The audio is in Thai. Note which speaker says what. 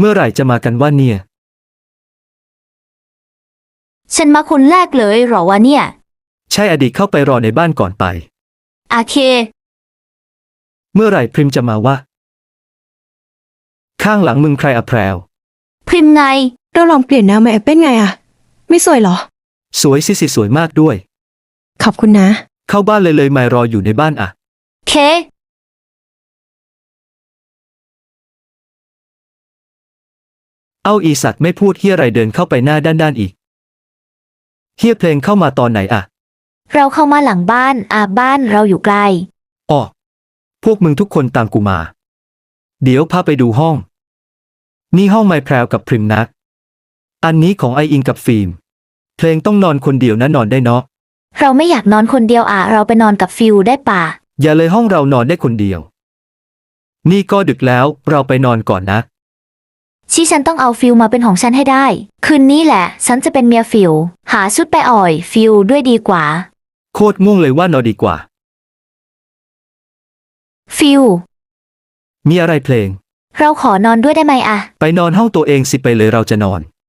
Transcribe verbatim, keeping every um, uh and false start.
Speaker 1: เมื่อไหร่จะมากันว่าเนี่ย
Speaker 2: ฉันมาคนแรกเลยเหรอวะเนี่ย
Speaker 1: ใช่อดีตเข้าไปรอในบ้านก่อนไป
Speaker 2: โอเค
Speaker 1: เมื่อไหร่พริมจะมาวะข้างหลังมึงใครอะแพรว
Speaker 2: พริมไง
Speaker 3: เราลองเปลี่ยนแนวมาแอปเป็นไงอะไม่สวยเหรอ
Speaker 1: สวยสิสิสวยมากด้วย
Speaker 3: ขอบคุณนะ
Speaker 1: เข้าบ้านเลยเลยไม่รออยู่ในบ้านอะ
Speaker 2: เค
Speaker 1: เอ้าอีสัตว์ไม่พูดเฮียอะไรเดินเข้าไปหน้าด้านๆอีกเฮียเพลงเข้ามาตอนไหนอะ
Speaker 2: เราเข้ามาหลังบ้านอาบ้านเราอยู่ไกล
Speaker 1: อ๋อพวกมึงทุกคนตามกูมาเดี๋ยวพาไปดูห้องนี่ห้องไมแพรวกับพริมนักอันนี้ของไออิงกับฟิล์มเพลงต้องนอนคนเดียวนะนอนได้เนาะ
Speaker 2: เราไม่อยากนอนคนเดียวอ่ะเราไปนอนกับฟิวได้ป่ะ
Speaker 1: อย่าเลยห้องเรานอนได้คนเดียวนี่ก็ดึกแล้วเราไปนอนก่อนนะ
Speaker 2: ที่ฉันต้องเอาฟิวมาเป็นของฉันให้ได้คืนนี้แหละฉันจะเป็นเมียฟิวหาชุดไปอ่อยฟิวด้วยดีกว่า
Speaker 1: โคตรง่วงเลยว่านอนดีกว่า
Speaker 2: ฟิว
Speaker 1: มีอะไรเพลง
Speaker 2: เราขอนอนด้วยได้ไหมอะ
Speaker 1: ไปนอนห้องตัวเองสิไปเลยเราจะนอน